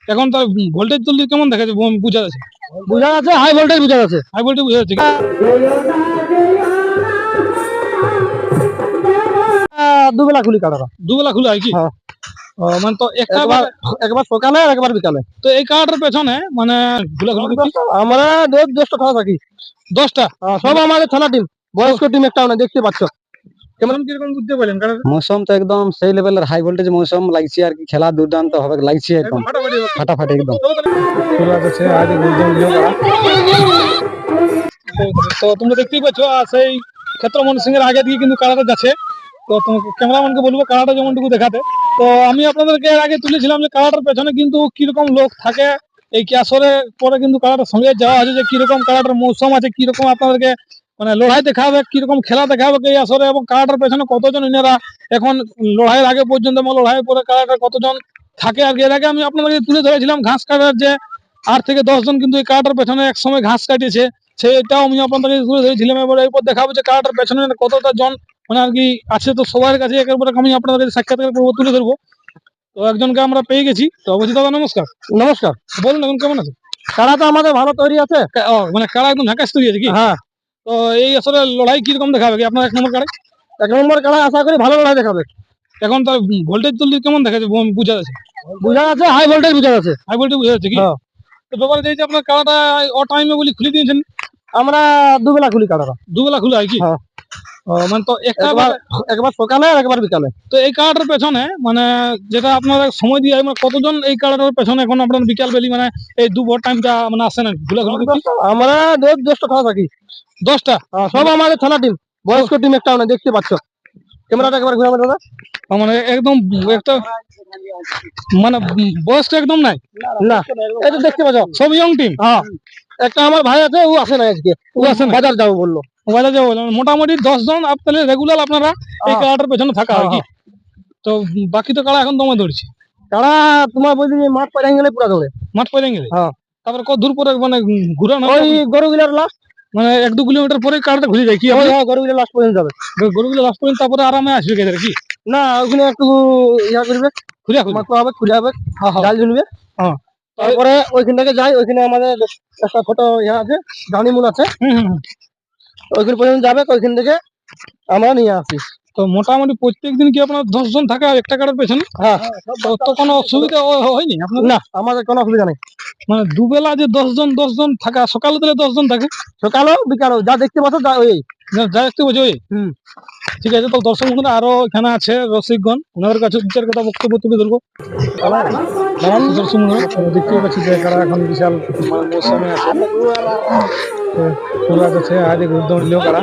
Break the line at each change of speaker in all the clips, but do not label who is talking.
এখন তার ভোল্টেজ তুললে কেমন দেখা যাচ্ছে বুঝা যাচ্ছে?
বোঝা যাচ্ছে হাই ভোল্টেজ বোঝা যাচ্ছে।
হাই ভোল্টেজ বুঝা যাচ্ছে।
দুবেলা খুলি কাটাটা।
দুবেলা খোলা হয় কি?
হ্যাঁ।
মানে তো একটা
একবার সকালে আর একবার বিকালে।
তো এই কার্ডের পেছনে মানে
আমরা জ্যেষ্ঠ খেলা থাকি
10টা
সব আমাদের খেলা টিম, বয়স্ক টিম একটা দেখতে পাচ্ছ।
কেমন কিরকম বুঝতে পারলেন?
মৌসুম তো একদম সেই লেভেলের হাই ভোল্টেজ মৌসুম লাগছে আর কি, খেলা দুর্দান্ত হবে লাগছে একদম ফাটাফাটি একদম।
তো তোমরা দেখতেই পাচ্ছ সেই ক্ষেত্রমোহন সিং এর আগে দিয়ে কিন্তু কারাটা যাচ্ছে। তো ক্যামেরাম্যানকে বলবো কারাটা যেমনটুকু দেখাতে। তো আমি আপনাদেরকে এর আগে তুলেছিলাম যে কারাটার পেছনে কিন্তু কিরকম লোক থাকে। এই ক্যাশরে পরে কিন্তু কারাটার সঙ্গে যাওয়া আছে যে কিরকম কারাটার মৌসুম আছে, কিরকম আপনাদেরকে মানে লড়াই দেখাবে, কিরকম খেলা দেখাবে এই আসরে, এবং কারাটার পেছনে কতজন ইনারা এখন লড়াইয়ের আগে পর্যন্ত এবং লড়াইয়ের পরে কারাটার কতজন থাকে। আর এর আগে আমি আপনাদেরকে তুলে ধরেছিলাম ঘাস কাটার যে 8 থেকে 10 জন কিন্তু এই কারাটার পেছনে এক সময় ঘাস কাটিয়েছে, সেটাও আমি আপনাদেরকে তুলে ধরেছিলাম। এবার এরপর দেখাবো যে কারাটার পেছনে কতটা জন মানে আর কি আছে। তো সবার কাছে একেবারে আমি আপনাদের সাক্ষাৎকার করবো, তুলে ধরবো। তো একজনকে আমরা পেয়ে গেছি। তো অবশ্যই দাদা নমস্কার।
নমস্কার।
বলুন এখন কেমন আছে?
কাড়া তো আমাদের ভালো তৈরি আছে।
মানে কাড়া একদম ঝাঁকাশ তৈরি আছে কি?
হ্যাঁ।
তো এই আসলে লড়াই কিরকম দেখাবে কি আপনার 1 নম্বর কাড়াই?
1 নম্বর কাড়া আশা করি ভালো লড়াই দেখাবে।
এখন তার ভোল্টেজ তুললে কেমন দেখা যাচ্ছে বুঝা যাচ্ছে?
বোঝা যাচ্ছে হাই ভোল্টেজ বোঝা যাচ্ছে।
হাই ভোল্টেজ বুঝা যাচ্ছে কি? তো ব্যাপারে যে আপনার কাড়াটা ও টাইমে বলি খুলে দিয়েছেন।
আমরা দুবেলা খুলি কাড়াটা।
দুবেলা খোলা হয় কি? মানে তো
একবার সকালে আর একবার বিকালে।
তো এই কার্ডের পেছনে মানে যেটা আপনারা সময় দিয়ে মানে কতজন এই কার্ডের পেছনে এখন আপনার বিকাল বেলি মানে এই দুপুর টাইমটা মানে আসে না ঘুলাঘুলি?
আমরা জ্যেষ্ঠ খেলা থাকি
10টা
সব আমাদের খেলা টিম, বয়স্ক টিম একটা দেখতে পাচ্ছ। ক্যামেরাটা একবার ঘুরাবে দাদা।
মানে একদম একটা মানে বয়সটা একদম নাই
না, এটা দেখতে পাচ্ছ
সব ইয়ং টিম।
হ্যাঁ, একটা আমার ভাই আছে, ও আসে না আজকে, ও আসে না, বাজার যাবো বললো।
বাজার যাবো বললো। মোটামুটি 10 জন আপনাদের রেগুলার আপনারা এই কাড়াটার পেছনে থাকা হয় কি? তো বাকি তো কাড়া এখন দমে ধরছে।
কাড়া তোমার বলছি মাঠ পেরিয়ে গেলে পুরা ধরে।
মাঠ পেরিয়ে গেলে
হ্যাঁ।
তারপরে কত দূর পরে মানে ঘুরানো
ওই গরুগুলার লাস্ট
মানে 1-2 কিলোমিটার পরে কাড়াটা ঘুরে যায় কি?
গরুগুলার লাস্ট পর্যন্ত যাবে।
গরুগুলো লাস্ট পর্যন্ত তারপরে আরামে আসবে গেদের কি?
না, ওখানে একটু ইয়া করবে, খুঁড়া হবে, খুঁড়া হবে, জাল ঝুলবে। তারপরে ওইখান থেকে যাই, ওইখানে আমাদের একটা ছোট ইয়া আছে, ডানিমূল আছে, ওইখান পর্যন্ত যাবে, ওইখান থেকে আমরা নিয়ে আসি।
তো মোটামুটি প্রত্যেকদিন কি আপনার 10 জন থাকে একটা কাড়ার পেছনে?
হ্যাঁ।
তো কোনো অসুবিধা হয়নি আপনার?
না, আমাদের কোনো অসুবিধা নেই।
মানে দুবেলা যে 10 জন থাকা, সকালে দিলে 10 জন থাকে,
সকালেও বিকালেও যা দেখতে পাচ্ছ ওই
যা দেখতে পাচ্ছি ওই। ঠিক আছে। তো দর্শক বন্ধুরা আরো এখানে আছে রসিকগণ, ওনাদের কাছে 2-4 কথা বক্তব্য তুলে ধরবো। দর্শক বন্ধুরা দেখতে পাচ্ছি যে কারা এখন বিশাল মৌসুমে আছে। ওরা কাছে আজ উদ্যম নিলেও কারা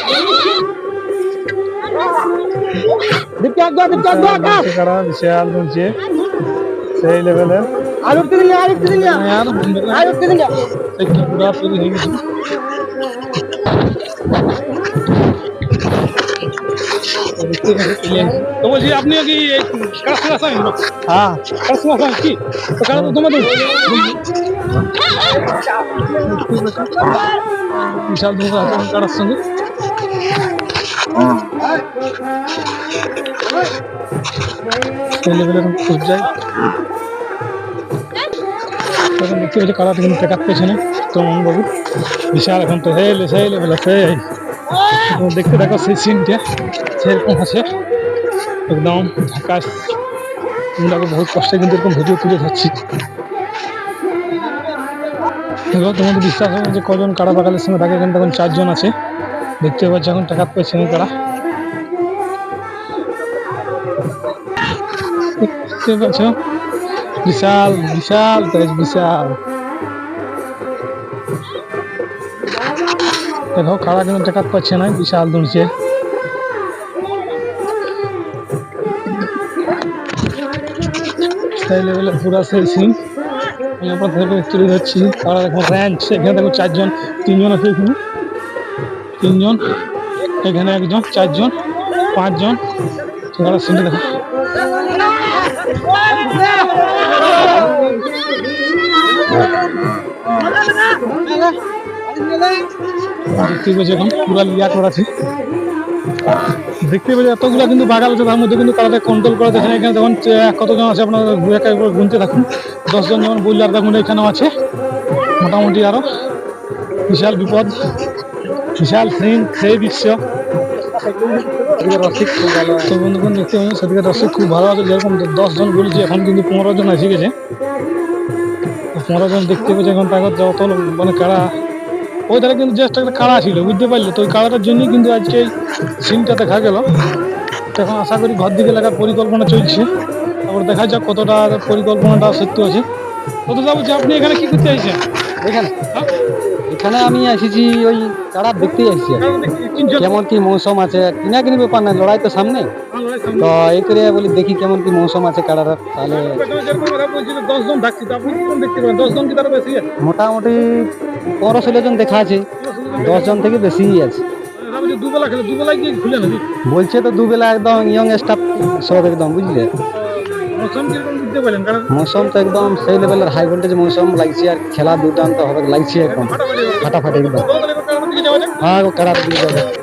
কারা বিশাল বলছে সেই লেভেলের পুরা তৈরি হয়ে গেছে। তো বলছি আপনিও কি কারা সঙ্গে আসেন?
হ্যাঁ,
কারা সঙ্গে আসেন কি? তো কারা তো তোমাদের বিশাল ধোকা আছে কারার সঙ্গে। যায় এখন দেখতে পাচ্ছি কারাটা কিন্তু টেকার পেছনে তমন বাবু বিশাল এখন তো সেই লেভেল আছে। দেখতে দেখো সেই সিনটা সেরকম আছে একদম ঢাকা। বহুত কষ্টে কিন্তু এরকম ভিডিও তুলে ধরছি। তোমাদের বিশ্বাস হবে যে কজন কারা বাগালের সঙ্গে থাকে, এখানে তখন 4 জন আছে দেখতে পাচ্ছি এখন টাকার পেছনে কারা দেখতে পাচ্ছ। বিশাল বিশাল বিশাল দেখো কারা কিন্তু টাকা পাচ্ছে না, বিশাল দৌড়ছে। সেই লেভেলে পুরা সেই সিন আমি আপনাদের তুলে ধরছি। কারা দেখো র্যাঞ্চ, এখানে দেখো 4 জন, 3 জন আছে এখানে, 3 জন এখানে, 1 জন, 4 জন, 5 জন। কারা সিনটা দেখো দেখতে পাচ্ছি এখন পুরা লিয়া করা আছে। দেখতে পাচ্ছি এতগুলো কিন্তু বাগাল আছে, তার মধ্যে কিন্তু কারাটা কন্ট্রোল করে দেখেন। এখানে দেখুন কতজন আছে আপনারা একবার গুনতে থাকুন। 10 জন যেমন বললে, আর দেখুন এখানেও আছে মোটামুটি আরো। বিশাল বিপদ, বিশাল সেই দৃশ্য। তো বন্ধুগণ দেখতে পাচ্ছেন সেদিকে রসিক খুব ভালো আছে। যেরকম 10 জন বলেছি, এখন কিন্তু 15 জন এসে গেছে। 15 জন দেখতে পাচ্ছি এখন তাকে যত মানে কারা ওই ধারে কিন্তু জাস্ট একটা কাড়া ছিল, বুঝতে পারলে। তো ওই কাড়াটার জন্যই কিন্তু আজকে এই সিনটা দেখা গেল। তো এখন আশা করি ঘর দিকে লাগার পরিকল্পনা চলছে, তারপর দেখা যাক কতটা পরিকল্পনাটা সত্যি আছে। কত যা বলছি, আপনি এখানে কি করতে চাইছেন?
এখানে
হ্যাঁ?
এখানে আমি এসেছি ওই কাড়া দেখতেই আসছি আর কি। কেমন কি মৌসুম আছে, কিনা কিনি ব্যাপার না, লড়াই তো সামনে। তো এই করে বলি দেখি কেমন কি মৌসুম আছে কাড়ার, তাহলে
10 জন থাকছি, তো আপনি কি দেখতে পারেন? 10 জন কি তার বেশি আছে?
মোটামুটি 15-16 জন দেখা আছে, 10 জন থেকে বেশিই আছে।
দুবেলা খেলে, দুবেলায় কি খুলে নাকি?
বলছে তো দুবেলা একদম ইয়ং স্টাফ সব একদম, বুঝলে।
মৌসুম কিরকম বুঝতে পারলেন? কারণ
মৌসুম তো একদম সেই লেভেলের হাই ভোল্টেজ মৌসুম লাগছে, আর খেলা দুর্দান্ত হবে লাগছে একদম ফাটাফাটি একদম।
দিকে যাওয়া যাক।
হ্যাঁ, কাড়া দিয়ে যাবে।